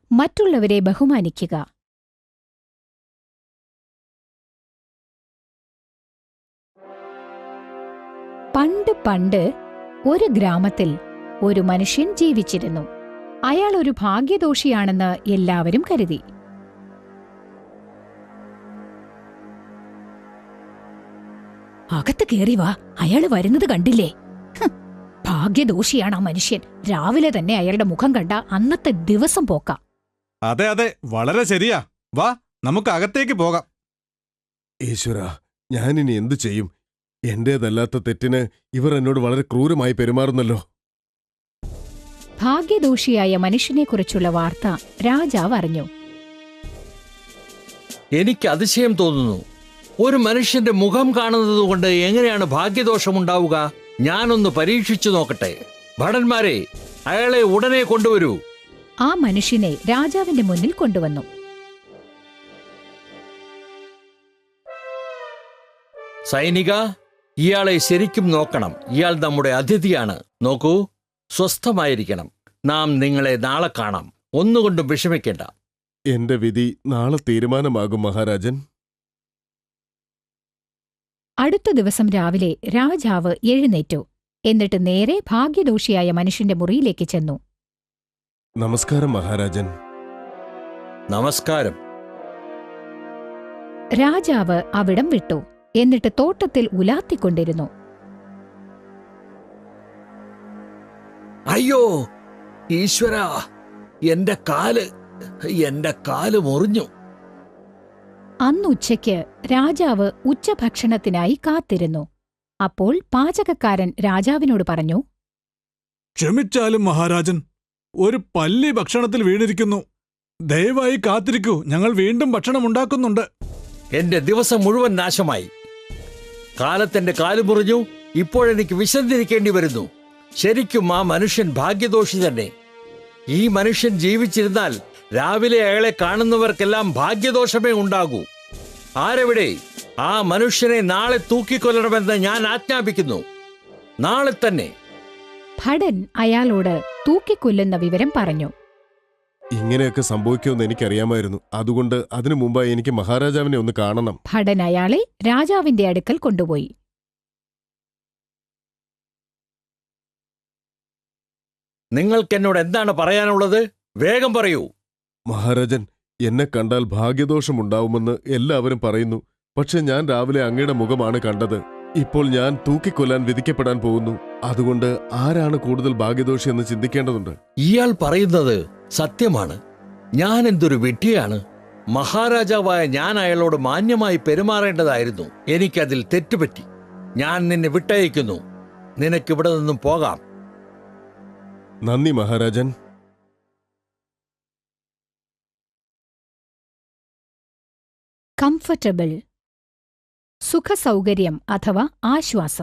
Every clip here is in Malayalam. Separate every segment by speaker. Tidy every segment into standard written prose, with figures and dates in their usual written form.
Speaker 1: മറ്റുള്ളവരെ ബഹുമാനിക്കുക. പണ്ട് ഒരു ഗ്രാമത്തിൽ ഒരു മനുഷ്യൻ ജീവിച്ചിരുന്നു. അയാൾ ഒരു ഭാഗ്യദോഷിയാണെന്ന് എല്ലാവരും കരുതി. അകത്ത് കേറി വാ, അയാള് വരുന്നത് കണ്ടില്ലേ? ഭാഗ്യദോഷിയാണ് ആ മനുഷ്യൻ. രാവിലെ തന്നെ അയാളുടെ മുഖം കണ്ട അന്നത്തെ ദിവസം പോക്കാം.
Speaker 2: അതെ അതെ, വളരെ ശരിയാ. വാ, നമുക്ക് അകത്തേക്ക് പോകാം.
Speaker 3: ഈശ്വര, ഞാനിനി എന്തു ചെയ്യും? എന്റേതല്ലാത്ത തെറ്റിന് ഇവർ എന്നോട് വളരെ ക്രൂരമായി പെരുമാറുന്നല്ലോ.
Speaker 1: ഭാഗ്യദോഷിയായ മനുഷ്യനെക്കുറിച്ചുള്ള വാർത്ത രാജാവ് അറിഞ്ഞു.
Speaker 4: എനിക്ക് അതിശയം തോന്നുന്നു. ഒരു മനുഷ്യന്റെ മുഖം കാണുന്നത് കൊണ്ട് എങ്ങനെയാണ് ഭാഗ്യദോഷമുണ്ടാവുക? ഞാനൊന്ന് പരീക്ഷിച്ചു നോക്കട്ടെ. ഭടന്മാരെ, അയാളെ ഉടനെ കൊണ്ടുവരൂ.
Speaker 1: ആ മനുഷ്യനെ രാജാവിന്റെ മുന്നിൽ കൊണ്ടുവന്നു.
Speaker 4: സൈനിക, ഇയാളെ ശരിക്കും നോക്കണം. ഇയാൾ നമ്മുടെ അതിഥിയാണ്. നോക്കൂ, സ്വസ്ഥമായിരിക്കണം. നാം നിങ്ങളെ നാളെ കാണാം. ഒന്നുകൊണ്ടും വിഷമിക്കേണ്ട.
Speaker 3: എന്റെ വിധി നാളെ തീരുമാനമാകും മഹാരാജൻ.
Speaker 1: അടുത്ത ദിവസം രാവിലെ രാജാവ് എഴുന്നേറ്റു. എന്നിട്ട് നേരെ ഭാഗ്യദോഷിയായ മനുഷ്യന്റെ മുറിയിലേക്ക് ചെന്നു.
Speaker 3: നമസ്കാരം മഹാരാജൻ.
Speaker 4: നമസ്കാരം.
Speaker 1: രാജാവ് അവിടം വിട്ടു. എന്നിട്ട് തോട്ടത്തിൽ ഉലാത്തിക്കൊണ്ടിരുന്നു.
Speaker 4: അയ്യോ ഈശ്വരാ, എന്റെ കാല് മുറിഞ്ഞു.
Speaker 1: അന്നുച്ചയ്ക്ക് രാജാവ് ഉച്ചഭക്ഷണത്തിനായി കാത്തിരുന്നു. അപ്പോൾ പാചകക്കാരൻ രാജാവിനോട് പറഞ്ഞു,
Speaker 2: ക്ഷമിച്ചാലും മഹാരാജൻ, ഒരു പല്ലി ഭക്ഷണത്തിൽ വീണിരിക്കുന്നു. ദയവായി കാത്തിരിക്കൂ, ഞങ്ങൾ വീണ്ടും ഭക്ഷണം ഉണ്ടാക്കുന്നുണ്ട്.
Speaker 4: എന്റെ ദിവസം മുഴുവൻ നാശമായി. കാലത്തെന്റെ കാല് മുറിഞ്ഞു. ഇപ്പോഴെനിക്ക് വിശന്നിരിക്കേണ്ടി വരുന്നു. ശരിക്കും ആ മനുഷ്യൻ ഭാഗ്യദോഷി തന്നെ. ഈ മനുഷ്യൻ ജീവിച്ചിരുന്നാൽ രാവിലെ അയാളെ കാണുന്നവർക്കെല്ലാം ഭാഗ്യദോഷമേ ഉണ്ടാകൂ. ആരെവിടെ? ആ മനുഷ്യനെ നാളെ തൂക്കിക്കൊല്ലണമെന്ന് ഞാൻ ആജ്ഞാപിക്കുന്നു. നാളെ തന്നെ.
Speaker 1: ഭടൻ അയാളോട് തൂക്കിക്കൊല്ലുന്ന വിവരം പറഞ്ഞു.
Speaker 3: ഇങ്ങനെയൊക്കെ സംഭവിക്കുമെന്ന് എനിക്കറിയാമായിരുന്നു. അതുകൊണ്ട് അതിനു മുമ്പായി എനിക്ക് മഹാരാജാവിനെ ഒന്ന് കാണണം.
Speaker 1: ഭടൻ അയാളെ രാജാവിന്റെ അടുക്കൽ കൊണ്ടുപോയി.
Speaker 4: നിങ്ങൾക്കെന്നോട് എന്താണ് പറയാനുള്ളത്? വേഗം പറയൂ.
Speaker 3: മഹാരാജൻ, എന്നെ കണ്ടാൽ ഭാഗ്യദോഷമുണ്ടാവുമെന്ന് എല്ലാവരും പറയുന്നു. പക്ഷെ ഞാൻ രാവിലെ അങ്ങയുടെ മുഖമാണ് കണ്ടത്. ഇപ്പോൾ ഞാൻ തൂക്കിക്കൊല്ലാൻ വിധിക്കപ്പെടാൻ പോകുന്നു. അതുകൊണ്ട് ആരാണ് കൂടുതൽ ഭാഗ്യദോഷി എന്ന് ചിന്തിക്കേണ്ടതുണ്ട്.
Speaker 4: ഇയാൾ പറയുന്നത് സത്യമാണ്. ഞാൻ എന്തൊരു വിഡ്ഢിയാണ്. മഹാരാജാവായ ഞാൻ അയാളോട് മാന്യമായി പെരുമാറേണ്ടതായിരുന്നു. എനിക്കതിൽ തെറ്റുപറ്റി. ഞാൻ നിന്നെ വിട്ടയക്കുന്നു. നിനക്കിവിടെ നിന്നും പോകാം.
Speaker 3: നന്ദി മഹാരാജൻ.
Speaker 1: കംഫർട്ടബിൾ, സുഖസൗകര്യം അഥവാ ആശ്വാസം.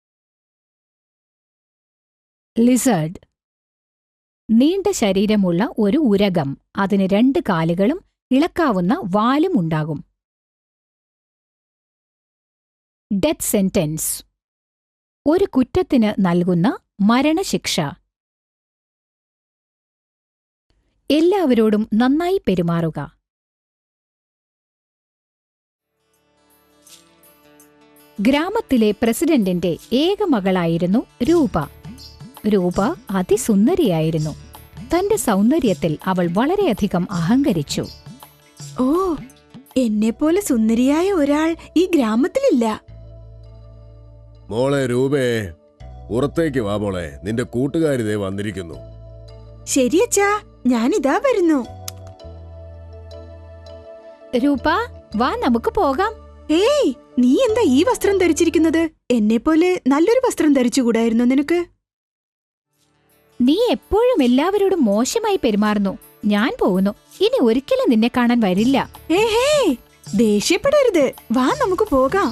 Speaker 1: ലിസേർഡ്, നീണ്ട ശരീരമുള്ള ഒരു ഉരകം. അതിന് 2 കാലുകളും ഇളക്കാവുന്ന വാലും ഉണ്ടാകും. ഡെത്ത് സെന്റൻസ്, ഒരു കുറ്റത്തിന് നൽകുന്ന മരണശിക്ഷ. എല്ലാവരോടും നന്നായി പെരുമാറുക. ഗ്രാമത്തിലെ പ്രസിഡന്റിന്റെ ഏക മകളായിരുന്നു രൂപ. രൂപ അതിസുന്ദരിയായിരുന്നു. തന്റെ സൗന്ദര്യത്തിൽ അവൾ വളരെയധികം അഹങ്കരിച്ചു.
Speaker 5: ഓ, എന്നെപ്പോലെ സുന്ദരിയായ ഒരാൾ ഈ ഗ്രാമത്തിലില്ല.
Speaker 3: മോളെ രൂപേ, പുറത്തേക്ക് വാ മോളെ. നിന്റെ കൂട്ടുകാരിതേ വന്നിരിക്കുന്നു.
Speaker 5: ശരിയച്ചാ, ഞാനിതാ വരുന്നു.
Speaker 1: രൂപ, വാ, നമുക്ക് പോകാം.
Speaker 5: ഏയ്, നീ എന്താ ഈ വസ്ത്രം ധരിച്ചിരിക്കുന്നത്? എന്നെപ്പോലെ നല്ലൊരു വസ്ത്രം ധരിച്ചുകൂടായിരുന്നു നിനക്ക്?
Speaker 1: നീ എപ്പോഴും എല്ലാവരോടും മോശമായി പെരുമാറുന്നു. ഞാൻ പോകുന്നു. ഇനി ഒരിക്കലും നിന്നെ കാണാൻ വരില്ല.
Speaker 5: ഏഹേ, ദേഷ്യപ്പെടരുത്. വാ, നമുക്ക് പോകാം.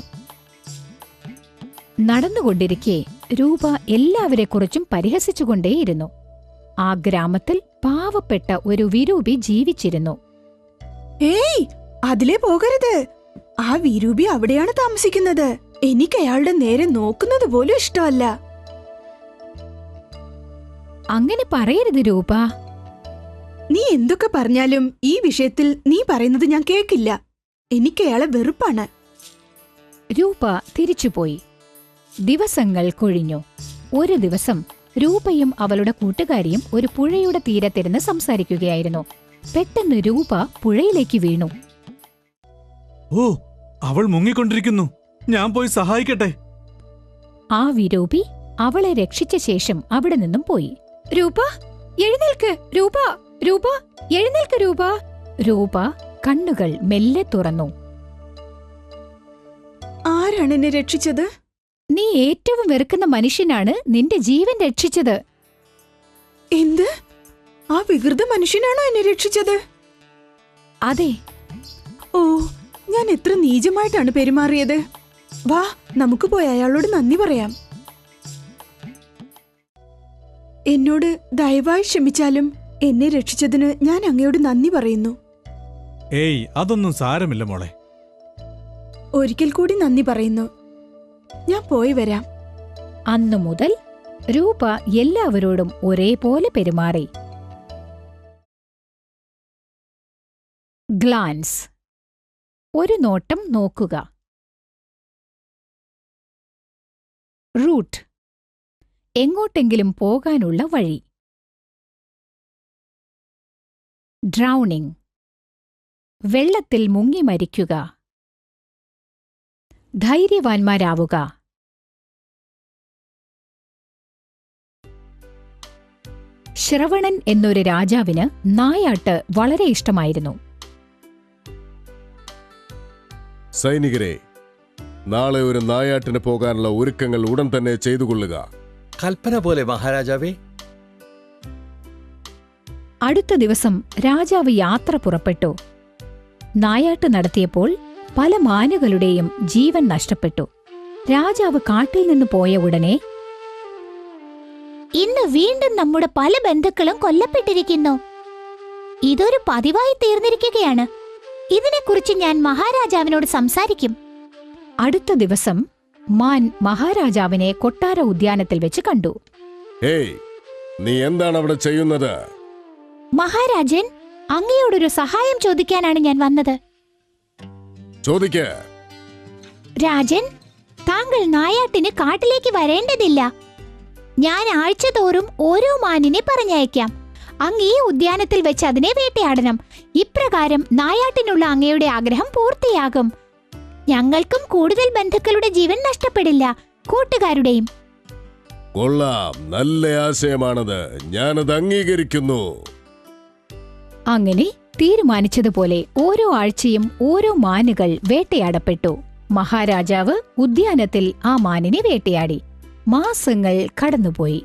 Speaker 1: നടന്നുകൊണ്ടിരിക്കെ രൂപ എല്ലാവരെക്കുറിച്ചും പരിഹസിച്ചുകൊണ്ടേയിരുന്നു. ആ ഗ്രാമത്തിൽ പാവപ്പെട്ട ഒരു വിരൂപി ജീവിച്ചിരുന്നു.
Speaker 5: ഏയ്, അതിലേ പോകരുത്. ആ വിരൂപി അവിടെയാണ് താമസിക്കുന്നത്. എനിക്ക് അയാളുടെ നേരെ നോക്കുന്നത് പോലും ഇഷ്ടമല്ല.
Speaker 1: അങ്ങനെ പറയരുത് രൂപ.
Speaker 5: നീ എന്തൊക്കെ പറഞ്ഞാലും ഈ വിഷയത്തിൽ നീ പറയുന്നത് ഞാൻ കേൾക്കില്ല. എനിക്ക് അയാളെ വെറുപ്പാണ്.
Speaker 1: രൂപ തിരിച്ചുപോയി. ദിവസങ്ങൾ കൊഴിഞ്ഞു. ഒരു ദിവസം രൂപയും അവളുടെ കൂട്ടുകാരിയും ഒരു പുഴയുടെ തീരത്തിരുന്ന് സംസാരിക്കുകയായിരുന്നു. പെട്ടെന്ന് രൂപ പുഴയിലേക്ക് വീണു.
Speaker 2: ഓ, അവൾ മുങ്ങിക്കൊണ്ടിരിക്കുന്നു. ഞാൻ പോയി സഹായിക്കട്ടെ.
Speaker 1: ആ വിരൂപി അവളെ രക്ഷിച്ച ശേഷം അവിടെ നിന്നും പോയി. രൂപ, എഴുന്നേൽക്ക്! രൂപ, രൂപ, എഴുന്നേൽക്ക് രൂപ! രൂപ കണ്ണുകൾ മെല്ലെ തുറന്നു.
Speaker 5: ആരാണ് എന്നെ രക്ഷിച്ചത്?
Speaker 1: നീ ഏറ്റവും വെറുക്കുന്ന മനുഷ്യനാണ് നിന്റെ ജീവൻ രക്ഷിച്ചത്.
Speaker 5: എന്ത്? ആ വികൃത മനുഷ്യനാണോ എന്നെ രക്ഷിച്ചത്?
Speaker 1: അതെ.
Speaker 5: ഓ, ഞാൻ എത്ര നീചമായിട്ടാണ് പെരുമാറിയത്. വാ, നമുക്ക് പോയി അയാളോട് നന്ദി പറയാം. എന്നോട് ദയവായി ക്ഷമിച്ചാലും എന്നെ രക്ഷിച്ചതിന് ഞാൻ അങ്ങയോട് നന്ദി പറയുന്നു.
Speaker 2: ഏയ്, അതൊന്നും സാരമില്ല മോളെ.
Speaker 5: ഒരിക്കൽ കൂടി നന്ദി പറയുന്നു. ഞാൻ പോയി വരാം.
Speaker 1: അന്നു മുതൽ രൂപ എല്ലാവരോടും ഒരേപോലെ പെരുമാറി. ഗ്ലാൻസ്, ഒരു നോട്ടം നോക്കുക. റൂട്ട്, എങ്ങോട്ടെങ്കിലും പോകാനുള്ള വഴി. ഡ്രൗണിംഗ്, വെള്ളത്തിൽ മുങ്ങി മരിക്കുക. ധൈര്യവാന്മാരാവുക. ശ്രവണൻ എന്നൊരു രാജാവിന് നായാട്ട് വളരെ ഇഷ്ടമായിരുന്നു.
Speaker 3: സൈനികരെ, നാളെ ഒരു നായാട്ടിന് പോകാനുള്ള ഒരുക്കങ്ങൾ ഉടൻ തന്നെ ചെയ്തുകൊള്ളുക.
Speaker 4: കൽപ്പന പോലെ മഹാരാജാവേ.
Speaker 1: അടുത്ത ദിവസം രാജാവ് യാത്ര പുറപ്പെട്ടു. നായാട്ട് നടത്തിയപ്പോൾ പല മാനുകളുടെയും ജീവൻ നഷ്ടപ്പെട്ടു. രാജാവ് കാട്ടിൽ നിന്ന് പോയ ഉടനെ,
Speaker 6: ഇന്ന് വീണ്ടും നമ്മുടെ പല ബന്ധുക്കളും കൊല്ലപ്പെട്ടിരിക്കുന്നു. ഇതൊരു പതിവായി തീർന്നിരിക്കുകയാണ്. ഇതിനെക്കുറിച്ച് ഞാൻ മഹാരാജാവിനോട് സംസാരിക്കും.
Speaker 1: അടുത്ത ദിവസം മാൻ മഹാരാജാവിനെ കൊട്ടാര ഉദ്യാനത്തിൽ വെച്ച് കണ്ടു.
Speaker 3: ഹേയ്, നീ എന്താണ് അവിടെ ചെയ്യുന്നത്?
Speaker 6: മഹാരാജൻ, അങ്ങയോടൊരു സഹായം ചോദിക്കാനാണ് ഞാൻ വന്നത്.
Speaker 3: ചോദിക്ക.
Speaker 6: രാജൻ, താങ്കൾ നായാട്ടിന് കാട്ടിലേക്ക് വരേണ്ടതില്ല. ഞാൻ ആഴ്ചതോറും ഓരോ മാനിനെ പറഞ്ഞയക്കാം. അങ്ങ് ഈ ഉദ്യാനത്തിൽ വെച്ച് അതിനെ വേട്ടയാടണം. ഇപ്രകാരം നായാട്ടിനുള്ള അങ്ങയുടെ ആഗ്രഹം പൂർത്തിയാകും. ഞങ്ങൾക്കും കൂടുതൽ ബന്ധുക്കളുടെ ജീവൻ നഷ്ടപ്പെടില്ല, കൂട്ടുകാരുടെയും.
Speaker 3: കൊള്ളാം, നല്ല ആശയമാണത്. ഞാനത് അംഗീകരിക്കുന്നു.
Speaker 1: അങ്ങനെ തീരുമാനിച്ചതുപോലെ ഓരോ ആഴ്ചയും ഓരോ മാനുകൾ വേട്ടയാടപ്പെട്ടു. മഹാരാജാവ് ഉദ്യാനത്തിൽ ആ മാനിനെ വേട്ടയാടി. മാസങ്ങൾ കടന്നുപോയി.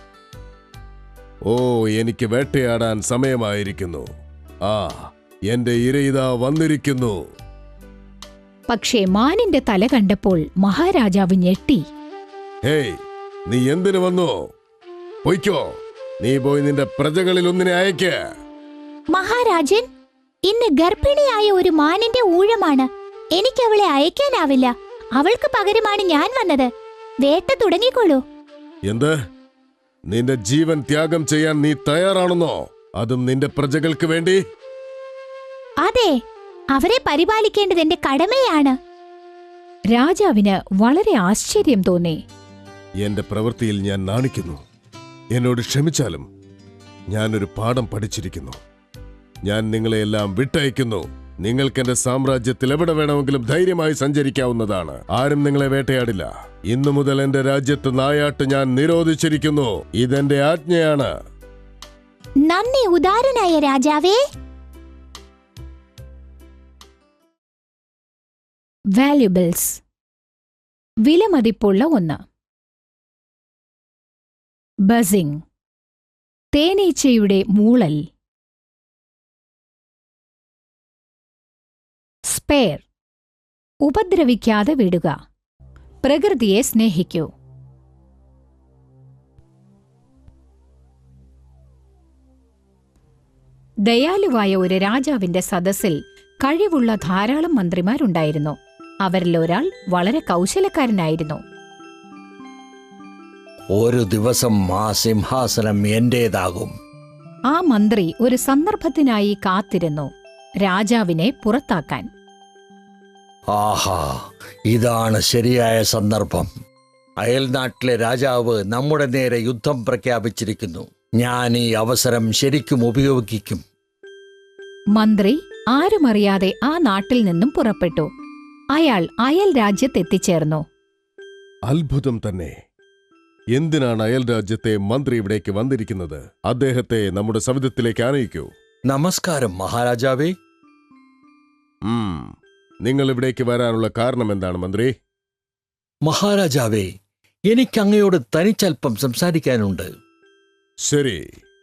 Speaker 3: ഓ, എനിക്ക് വേട്ടയാടാൻ സമയമായിരിക്കുന്നു. ആ, എന്റെ ഇരയിതാ വന്നിരിക്കുന്നു.
Speaker 1: പക്ഷേ മാനിന്റെ തല കണ്ടപ്പോൾ മഹാരാജാവ് ഞെട്ടി.
Speaker 3: ഹേയ്, നീ എന്തിനു വന്നു? പൊയ്ക്കോ. നീ പോയി നിന്റെ പ്രജകളിൽ ഒന്നിനെ അയക്ക.
Speaker 6: മഹാരാജൻ, ഇന്ന് ഗർഭിണിയായ ഒരു മാനിന്റെ ഊഴമാണ്. എനിക്കവളെ അയക്കാനാവില്ല. അവൾക്ക് പകരമാണ് ഞാൻ വന്നത്. വേട്ട തുടങ്ങിക്കോളൂ.
Speaker 3: എന്ത്? നിന്റെ ജീവൻ ത്യാഗം ചെയ്യാൻ നീ തയ്യാറാണെന്നോ? അതും നിന്റെ പ്രജകൾക്ക് വേണ്ടി?
Speaker 6: അതെ, അവരെ പരിപാലിക്കേണ്ടത് എന്റെ കടമയാണ്.
Speaker 1: രാജാവിന് വളരെ ആശ്ചര്യം തോന്നി.
Speaker 3: എന്റെ പ്രവൃത്തിയിൽ ഞാൻ നാണിക്കുന്നു. എന്നോട് ക്ഷമിച്ചാലും ഞാനൊരു പാഠം പഠിച്ചിരിക്കുന്നു. ഞാൻ നിങ്ങളെയെല്ലാം വിട്ടയക്കുന്നു. നിങ്ങൾക്ക് എന്റെ സാമ്രാജ്യത്തിൽ എവിടെ വേണമെങ്കിലും ധൈര്യമായി സഞ്ചരിക്കാവുന്നതാണ്. ആരും നിങ്ങളെ വേട്ടയാടില്ല. ഇന്നു മുതൽ എന്റെ രാജ്യത്ത് നായാട്ട് ഞാൻ നിരോധിച്ചിരിക്കുന്നു. ഇതെന്റെ ആജ്ഞയാണ്.
Speaker 6: നന്ദി ഉദാരനായ രാജാവേ.
Speaker 1: വാല്യുബിൾസ്, വിലമതിപ്പുള്ള ഒന്ന്. ബസിംഗ്, തേനീച്ചയുടെ മൂളൽ. സ്പെയർ, ഉപദ്രവിക്കാതെ വിടുക. പ്രകൃതിയെ സ്നേഹിക്കൂ. ദയാലുവായ ഒരു രാജാവിന്റെ സദസ്സിൽ കഴിവുള്ള ധാരാളം മന്ത്രിമാരുണ്ടായിരുന്നു. അവരിൽ ഒരാൾ വളരെ കൗശലക്കാരനായിരുന്നു.
Speaker 4: ഒരു ദിവസം ആ സിംഹാസനം എന്റേതാകും.
Speaker 1: ആ മന്ത്രി ഒരു സന്ദർഭത്തിനായി കാത്തിരുന്നു, രാജാവിനെ പുറത്താക്കാൻ.
Speaker 4: ആഹാ, ഇതാണ് ശരിയായ സന്ദർഭം. അയൽനാട്ടിലെ രാജാവ് നമ്മുടെ നേരെ യുദ്ധം പ്രഖ്യാപിച്ചിരിക്കുന്നു. ഞാൻ ഈ അവസരം ശരിക്കും ഉപയോഗിക്കും.
Speaker 1: മന്ത്രി ആരുമറിയാതെ ആ നാട്ടിൽ നിന്നും പുറപ്പെട്ടു. അയാൾ അയൽ രാജ്യത്തെത്തിച്ചേർന്നു.
Speaker 3: അത്ഭുതം തന്നെ. എന്തിനാണ് അയൽ രാജ്യത്തെ മന്ത്രി ഇവിടേക്ക് വന്നിരിക്കുന്നത്? അദ്ദേഹത്തെ നമ്മുടെ സവിധത്തിലേക്ക് ആനയിക്കൂ.
Speaker 4: നമസ്കാരം മഹാരാജാവേ.
Speaker 3: നിങ്ങൾ ഇവിടേക്ക് വരാനുള്ള കാരണം എന്താണ് മന്ത്രി?
Speaker 4: മഹാരാജാവേ, എനിക്കങ്ങയോട് തനിച്ചൽപ്പം സംസാരിക്കാനുണ്ട്.
Speaker 3: ശരി.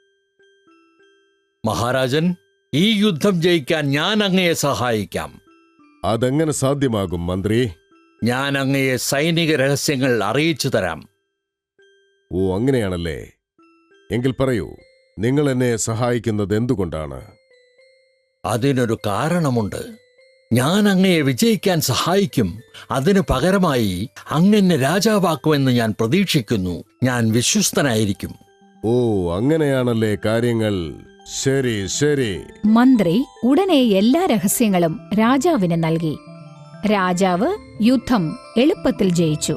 Speaker 4: മഹാരാജൻ, ഈ യുദ്ധം ജയിക്കാൻ ഞാൻ അങ്ങയെ സഹായിക്കാം.
Speaker 3: അതെങ്ങനെ സാധ്യമാകും മന്ത്രി?
Speaker 4: ഞാൻ അങ്ങയെ സൈനിക രഹസ്യങ്ങൾ അറിയിച്ചു തരാം.
Speaker 3: ഓ, അങ്ങനെയാണല്ലേ. എങ്കിൽ പറയൂ, നിങ്ങൾ എന്നെ സഹായിക്കുന്നത് എന്തുകൊണ്ടാണ്?
Speaker 4: അതിനൊരു കാരണമുണ്ട്. ഞാൻ അങ്ങയെ വിജയിക്കാൻ സഹായിക്കും. അതിനു പകരമായി അങ്ങെന്നെ രാജാവാക്കുമെന്ന് ഞാൻ പ്രതീക്ഷിക്കുന്നു. ഞാൻ വിശ്വസ്തനായിരിക്കും.
Speaker 3: ഓ, അങ്ങനെയാണല്ലേ കാര്യങ്ങൾ. ശരി ശരി.
Speaker 1: മന്ത്രി ഉടനെ എല്ലാ രഹസ്യങ്ങളും രാജാവിന് നൽകി. രാജാവ് യുദ്ധം എളുപ്പത്തിൽ ജയിച്ചു.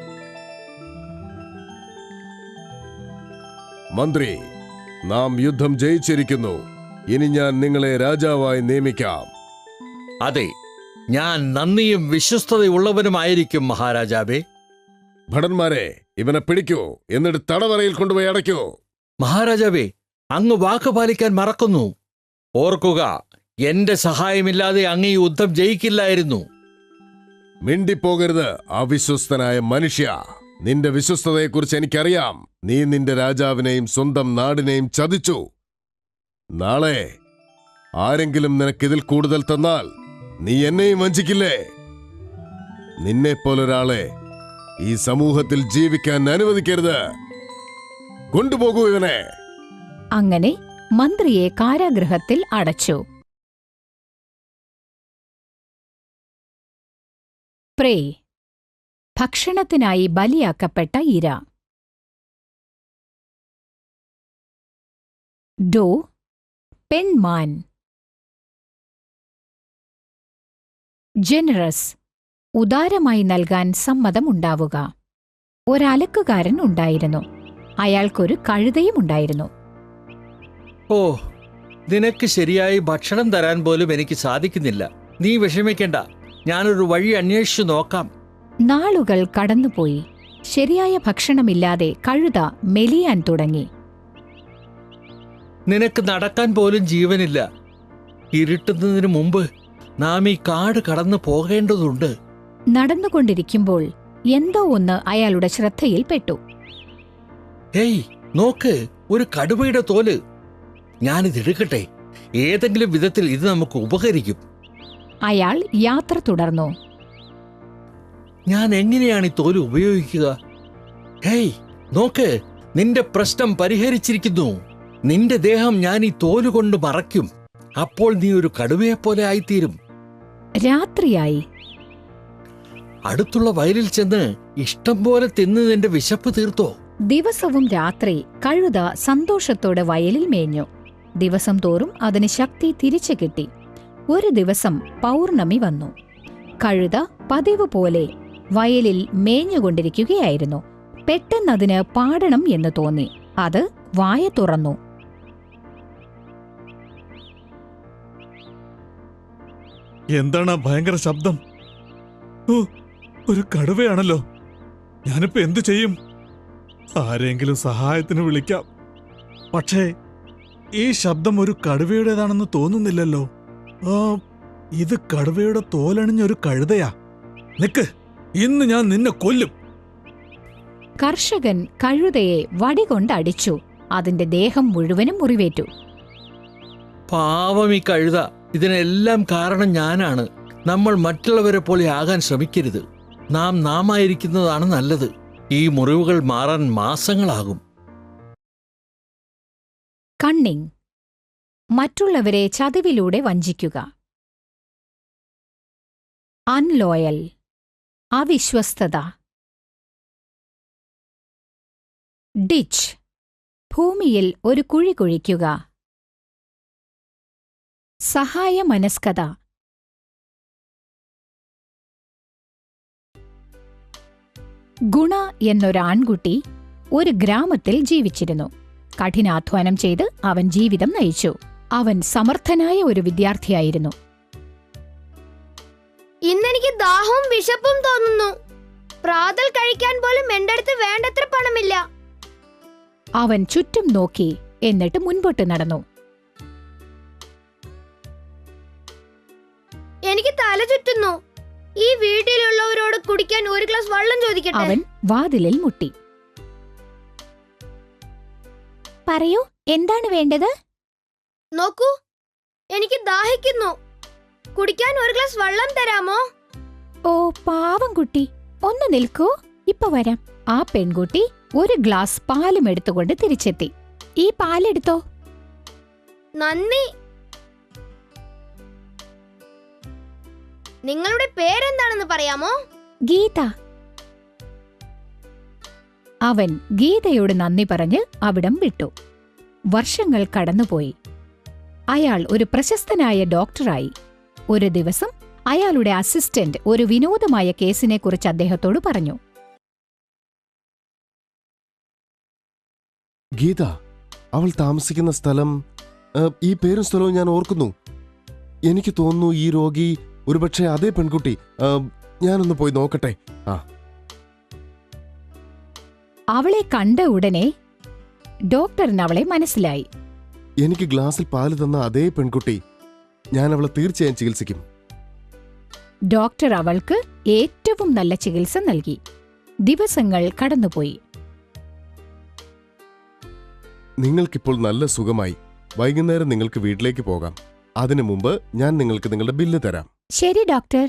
Speaker 3: മന്ത്രി, നാം യുദ്ധം ജയിച്ചിരിക്കുന്നു. ഇനി ഞാൻ നിങ്ങളെ രാജാവായി നിയമിക്കാം.
Speaker 4: അതെ, ഞാൻ നന്ദിയും വിശ്വസ്തതയുള്ളവനുമായിരിക്കും മഹാരാജാവേ.
Speaker 3: ഭടന്മാരെ, ഇവനെ പിടിക്കൂ, എന്നിട്ട് തടവറയിൽ കൊണ്ടുപോയി അടയ്ക്കൂ.
Speaker 4: മഹാരാജാവേ, അങ്ങ് വാക്ക് പാലിക്കാൻ മറക്കുന്നു. ഓർക്കുക, എന്റെ സഹായമില്ലാതെ അങ്ങ് ഈ യുദ്ധം ജയിക്കില്ലായിരുന്നു.
Speaker 3: മിണ്ടിപ്പോകരുത് അവിശ്വസ്തനായ മനുഷ്യ. നിന്റെ വിശ്വസ്തതയെക്കുറിച്ച് എനിക്കറിയാം. നീ നിന്റെ രാജാവിനെയും സ്വന്തം നാടിനെയും ചതിച്ചു. നാളെ ആരെങ്കിലും നിനക്കിതിൽ കൂടുതൽ തന്നാൽ നീ എന്നെയും വഞ്ചിക്കില്ലേ? നിന്നെപ്പോലൊരാളെ ഈ സമൂഹത്തിൽ ജീവിക്കാൻ അനുവദിക്കരുത്. കൊണ്ടുപോകൂ ഇവനെ.
Speaker 1: അങ്ങനെ മന്ത്രിയെ കാരാഗൃഹത്തിൽ അടച്ചു. പ്രേ, ഭക്ഷണത്തിനായി ബലിയാക്കപ്പെട്ട ഇര. ഡോ, പെൺമാൻ. ജനറസ്, ഉദാരമായി നൽകാൻ സമ്മതമുണ്ടാവുക. ഒരലക്കുകാരൻ ഉണ്ടായിരുന്നു. അയാൾക്കൊരു കഴുതയും ഉണ്ടായിരുന്നു.
Speaker 4: ഓ, നിനക്ക് ശരിയായി ഭക്ഷണം തരാൻ പോലും എനിക്ക് സാധിക്കുന്നില്ല. നീ വിഷമിക്കണ്ട, ഞാനൊരു വഴി അന്വേഷിച്ചു നോക്കാം.
Speaker 1: നാളുകൾ കടന്നുപോയി. ശരിയായ ഭക്ഷണമില്ലാതെ കഴുത മെലിയാൻ തുടങ്ങി.
Speaker 4: നിനക്ക് നടക്കാൻ പോലും ജീവനില്ല. ഇരുട്ടുന്നതിന് മുമ്പ് നാം ഈ കാട് കടന്നു പോകേണ്ടതുണ്ട്.
Speaker 1: നടന്നുകൊണ്ടിരിക്കുമ്പോൾ എന്തോ ഒന്ന് അയാളുടെ ശ്രദ്ധയിൽപ്പെട്ടു.
Speaker 4: ഹേയ്, നോക്ക്, ഒരു കടുവയുടെ തോല്. ഞാനിതെടുക്കട്ടെ. ഏതെങ്കിലും വിധത്തിൽ ഇത് നമുക്ക് ഉപകരിക്കും.
Speaker 1: അയാൾ യാത്ര തുടർന്നു.
Speaker 4: ഞാൻ എങ്ങനെയാണ് ഈ തോല് ഉപയോഗിക്കുക? ഹേയ്, നോക്ക്, നിന്റെ പ്രശ്നം പരിഹരിച്ചിരിക്കുന്നു. നിന്റെ ദേഹം ഞാൻ ഈ തോലുകൊണ്ട് മറയ്ക്കും. അപ്പോൾ നീ ഒരു കടുവയെപ്പോലെ ആയിത്തീരും.
Speaker 1: രാത്രിയായി.
Speaker 4: അടുത്തുള്ള വയലിൽ ചെന്ന് ഇഷ്ടം പോലെ തിന്ന് നിന്റെ വിശപ്പ് തീർത്തോ.
Speaker 1: ദിവസവും രാത്രി കഴുത സന്തോഷത്തോടെ വയലിൽ മേഞ്ഞു. ദിവസം തോറും അതിന് ശക്തി തിരിച്ചു കിട്ടി. ഒരു ദിവസം പൗർണമി വന്നു. കഴുത പതിവ് പോലെ വയലിൽ മേഞ്ഞുകൊണ്ടിരിക്കുകയായിരുന്നു. പെട്ടെന്നതിന് പാടണം എന്ന് തോന്നി. അത് വായ തുറന്നു.
Speaker 2: എന്താണ് ആ ഭയങ്കര ശബ്ദം? ഓ, ഒരു കടുവയാണല്ലോ. ഞാനിപ്പോ എന്തു ചെയ്യും? ആരെങ്കിലും സഹായത്തിന് വിളിക്കാം. പക്ഷേ ഈ ശബ്ദം ഒരു കടുവയുടേതാണെന്ന് തോന്നുന്നില്ലല്ലോ. ഇത് കടുവയുടെ തോലണിഞ്ഞൊരു കഴുതയാ. നിക്ക്, ഇന്ന് ഞാൻ നിന്നെ കൊല്ലും.
Speaker 1: കർഷകൻ കഴുതയെ വടികൊണ്ടടിച്ചു. അതിന്റെ ദേഹം മുഴുവനും മുറിവേറ്റു.
Speaker 4: പാവം ഈ കഴുത. ഇതിനെല്ലാം കാരണം ഞാനാണ്. നമ്മൾ മറ്റുള്ളവരെ പോലെ ആകാൻ ശ്രമിക്കരുത്. നാമായിരിക്കുന്നതാണ് നല്ലത്. ഈ മുറിവുകൾ മാറാൻ മാസങ്ങളാകും.
Speaker 1: കണ്ണിങ്, മറ്റുള്ളവരെ ചതിവിലൂടെ വഞ്ചിക്കുക. അൺലോയൽ, അവിശ്വസ്തത. ഡിച്ച്, ഭൂമിയിൽ ഒരു കുഴി കുഴിക്കുക. സഹായ മനസ്കത. ഗുണ എന്നൊരു ആൺകുട്ടി ഒരു ഗ്രാമത്തിൽ ജീവിച്ചിരുന്നു. കഠിനാധ്വാനം ചെയ്ത് അവൻ ജീവിതം നയിച്ചു. അവൻ സമർത്ഥനായ ഒരു വിദ്യാർത്ഥിയായിരുന്നു.
Speaker 7: ഇന്നെനിക്ക് ദാഹവും വിശപ്പും തോന്നുന്നു. പ്രാതൽ കഴിക്കാൻ പോലും എന്റെ അടുത്ത് വേണ്ടത്ര പണമില്ല.
Speaker 1: അവൻ ചുറ്റും നോക്കി, എന്നിട്ട് മുൻപോട്ട് നടന്നു.
Speaker 7: എനിക്ക് തല ചുറ്റുന്നു. ഈ വീട്ടിലുള്ളവരോട് കുടിക്കാൻ ഒരു ഗ്ലാസ് വെള്ളം ചോദിക്കട്ടെ?
Speaker 1: അവൻ വാതിലിൽ മുട്ടി.
Speaker 6: പറയൂ, എന്താണ് വേണ്ടത്?
Speaker 7: നോക്കൂ, എനിക്ക് ദാഹിക്കുന്നു. കുടിക്കാൻ ഒരു ഗ്ലാസ് വെള്ളം തരാമോ?
Speaker 1: ഓ പാവം കുട്ടി, ഒന്ന് നിൽക്കൂ, ഇപ്പൊ വരാം. ആ പെൺകുട്ടി ഒരു ഗ്ലാസ് പാലും എടുത്തുകൊണ്ട് തിരിച്ചെത്തി. ഈ പാലെടുത്തോ.
Speaker 7: നന്ദി. നിങ്ങളുടെ പേരെന്താണെന്ന് പറയാമോ?
Speaker 1: ഗീത. അവൻ ഗീതയോട് നന്ദി പറഞ്ഞ് അവിടം വിട്ടു. വർഷങ്ങൾ കടന്നുപോയി. അയാൾ ഒരു പ്രശസ്തനായ ഡോക്ടറായി. ഒരു ദിവസം അയാളുടെ അസിസ്റ്റന്റ് ഒരു വിനോദമായ കേസിനെക്കുറിച്ച് അദ്ദേഹത്തോട് പറഞ്ഞു.
Speaker 3: ഗീത, അവൾ താമസിക്കുന്ന സ്ഥലം, ഈ പേരും സ്ഥലവും ഞാൻ ഓർക്കുന്നു. എനിക്ക് തോന്നുന്നു ഈ രോഗി ഒരുപക്ഷെ അതേ പെൺകുട്ടി. ഞാനൊന്ന് പോയി നോക്കട്ടെ.
Speaker 1: അവളെ കണ്ട ഉടനെ ഡോക്ടറിന് അവളെ മനസ്സിലായി.
Speaker 3: എനിക്ക് ഗ്ലാസിൽ പാല് തന്ന അതേ പെൺകുട്ടി. ഞാൻ അവളെ തീർച്ചയായും ചികിത്സിക്കും.
Speaker 1: ഡോക്ടർ അവൾക്ക് ഏറ്റവും നല്ല ചികിത്സ നൽകി. ദിവസങ്ങൾ കടന്നുപോയി.
Speaker 3: നിങ്ങൾക്കിപ്പോൾ നല്ല സുഖമായി. വൈകുന്നേരം നിങ്ങൾക്ക് വീട്ടിലേക്ക് പോകാം. അതിനു മുമ്പ് ഞാൻ നിങ്ങൾക്ക് നിങ്ങളുടെ ബില്ല് തരാം.
Speaker 1: ശരി ഡോക്ടർ.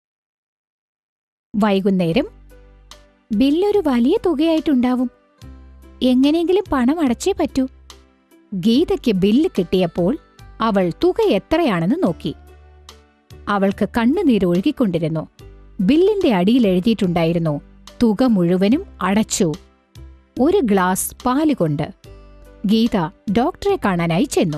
Speaker 1: വൈകുന്നേരം ബില്ലൊരു വലിയ തുകയായിട്ടുണ്ടാവും. എങ്ങനെയെങ്കിലും പണം അടച്ചേ പറ്റൂ. ഗീതയ്ക്ക് ബില്ല് കിട്ടിയപ്പോൾ അവൾ തുക എത്രയാണെന്ന് നോക്കി. അവൾക്ക് കണ്ണുനീരൊഴുകിക്കൊണ്ടിരുന്നു. ബില്ലിന്റെ അടിയിൽ എഴുതിയിട്ടുണ്ടായിരുന്നു, തുക മുഴുവനും അടച്ചു, ഒരു ഗ്ലാസ് പാല് കൊണ്ട്. ഗീത ഡോക്ടറെ കാണാനായി ചെന്നു.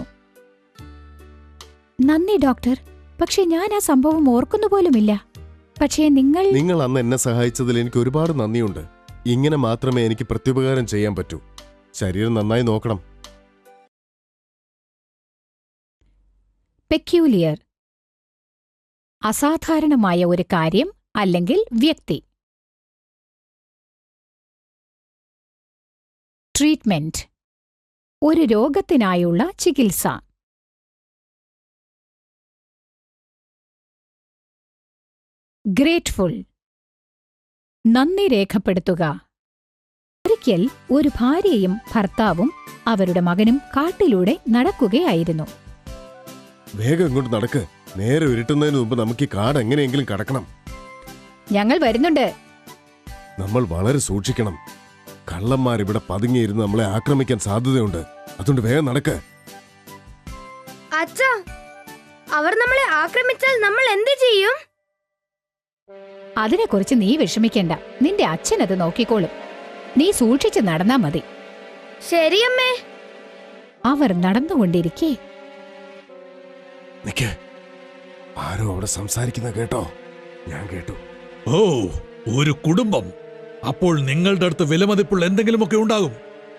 Speaker 1: നന്ദി ഡോക്ടർ, പക്ഷെ ഞാൻ ആ സംഭവം ഓർക്കുന്നുപോലുമില്ല. പക്ഷേ
Speaker 3: നിങ്ങൾ അന്ന് എന്നെ സഹായിച്ചതിൽ എനിക്ക് ഒരുപാട് നന്ദിയുണ്ട്. ഇങ്ങനെ മാത്രമേ എനിക്ക് പ്രത്യുപകാരം ചെയ്യാൻ പറ്റൂ. ശരീരം നന്നായി നോക്കണം.
Speaker 1: പെക്യൂലിയർ, അസാധാരണമായ ഒരു കാര്യം അല്ലെങ്കിൽ വ്യക്തി. ട്രീറ്റ്മെന്റ്, ഒരു രോഗത്തിനായുള്ള ചികിത്സ. ഗ്രേറ്റ്ഫുൾ, നന്ദി രേഖപ്പെടുത്തുക. ഒരിക്കൽ ഒരു ഭാര്യയും ഭർത്താവും അവരുടെ മകനും കാട്ടിലൂടെ നടക്കുകയായിരുന്നു.
Speaker 3: വേഗം ഇങ്ങോട്ട് നടക്ക്. നേരെ ഇരുട്ടുന്നതിന് മുമ്പ് നമുക്ക് ഈ കാട് എങ്ങനെയെങ്കിലും കടക്കണം.
Speaker 1: ഞങ്ങൾ വരുന്നുണ്ട്.
Speaker 3: നമ്മൾ വളരെ സൂക്ഷിക്കണം. കള്ളന്മാർ ഇവിടെ പതുങ്ങിയിരുന്ന് നമ്മളെ ആക്രമിക്കാൻ സാധ്യതയുണ്ട്. അതുകൊണ്ട് വേഗം നടക്ക്.
Speaker 7: അച്ഛാ, അവർ നമ്മളെ ആക്രമിച്ചാൽ നമ്മൾ എന്ത് ചെയ്യും?
Speaker 1: അതിനെക്കുറിച്ച് നീ വിഷമിക്കണ്ട. നിന്റെ അച്ഛനത് നോക്കിക്കോളും. നീ സൂക്ഷിച്ച് നടന്നാ മതി.
Speaker 7: ശരിയമ്മേ.
Speaker 1: അവർ നടന്നുകൊണ്ടിരിക്കെ
Speaker 3: നിക്ക്, ആരോ അവിടെ സംസാരിക്കുന്ന കേട്ടോ? ഞാൻ കേട്ടു.
Speaker 4: ഓ, ഒരു കുടുംബം. അപ്പോൾ നിങ്ങളുടെ അടുത്ത് വിലമതിപ്പുള്ള എന്തെങ്കിലുമൊക്കെ ഉണ്ടാകും.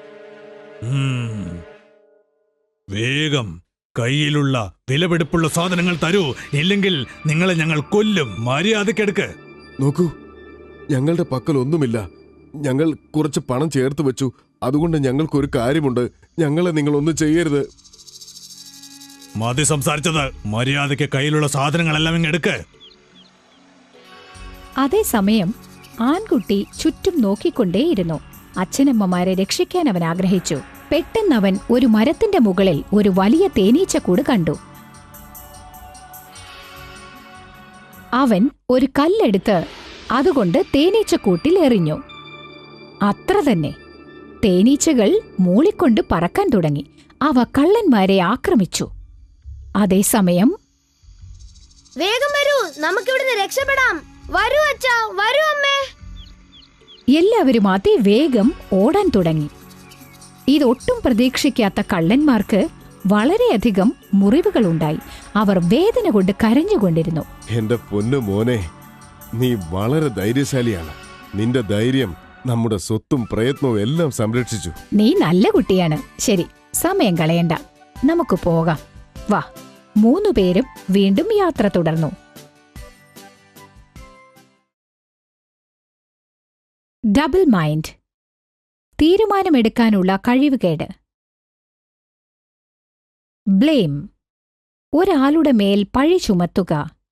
Speaker 4: വേഗം കയ്യിലുള്ള വിലപിടിപ്പുള്ള സാധനങ്ങൾ തരൂ, ഇല്ലെങ്കിൽ നിങ്ങളെ ഞങ്ങൾ കൊല്ലും. മര്യാദക്കെടുക്ക്.
Speaker 3: നോക്കൂ, ഞങ്ങളുടെ പക്കൽ ഒന്നുമില്ല. ഞങ്ങൾ കുറച്ച് പണം ചേർത്ത് വെച്ചു. അതുകൊണ്ട് ഞങ്ങൾക്കൊരു കാര്യമുണ്ട്. ഞങ്ങളെ നിങ്ങളൊന്നും ചെയ്യരുത്.
Speaker 4: മതി സംസാരിച്ചത്. മര്യാദയ്ക്ക് കയ്യിലുള്ള സാധനങ്ങളെല്ലാം ഇങ്ങെടുക്ക്.
Speaker 1: അതേസമയം ആൺകുട്ടി ചുറ്റും നോക്കിക്കൊണ്ടേയിരുന്നു. അച്ഛനമ്മമാരെ രക്ഷിക്കാൻ അവൻ ആഗ്രഹിച്ചു. പെട്ടെന്നവൻ ഒരു മരത്തിന്റെ മുകളിൽ ഒരു വലിയ തേനീച്ചക്കൂട് കണ്ടു. അവൻ ഒരു കല്ലെടുത്ത് അതുകൊണ്ട് തേനീച്ചക്കൂട്ടിൽ എറിഞ്ഞു. അത്ര തന്നെ. തേനീച്ചകൾ മൂളിക്കൊണ്ട് പറക്കാൻ തുടങ്ങി. അവ കള്ളന്മാരെ ആക്രമിച്ചു. അതേസമയം
Speaker 7: വേഗം വരൂ, നമുക്കിവിടുന്ന് രക്ഷപ്പെടാം. വരൂ അച്ഛാ, വരൂ അമ്മേ.
Speaker 1: എല്ലാവരും അതിവേഗം ഓടാൻ തുടങ്ങി. ഇതൊട്ടും പ്രതീക്ഷിക്കാത്ത കള്ളന്മാർക്ക് വളരെയധികം മുറിവുകളുണ്ടായി. അവർ വേദന കൊണ്ട് കരഞ്ഞുകൊണ്ടിരുന്നു.
Speaker 3: എന്റെ പൊന്നു മോനെ, നീ വളരെ ധൈര്യശാലിയാണ്. നിന്റെ ധൈര്യം നമ്മുടെ സ്വത്തും പ്രയത്നവും എല്ലാം സംരക്ഷിച്ചു.
Speaker 1: നീ നല്ല കുട്ടിയാണ്. ശരി, സമയം കളയണ്ട, നമുക്ക് പോകാം. വാ. 3 പേരും വീണ്ടും യാത്ര തുടർന്നു. ഡബിൾ മൈൻഡ്, തീരുമാനമെടുക്കാനുള്ള കഴിവുകേട്. ബ്ലെയിം, ഒരാളുടെ മേൽ പഴി ചുമത്തുക.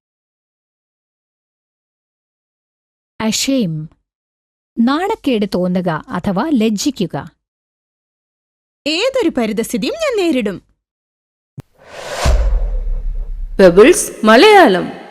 Speaker 1: അഷെയിം, നാണക്കേട് തോന്നുക അഥവാ ലജ്ജിക്കുക.
Speaker 5: ഏതൊരു പരിതസ്ഥിതിയും ഞാൻ നേരിടും.
Speaker 8: പെബിൾസ് മലയാളം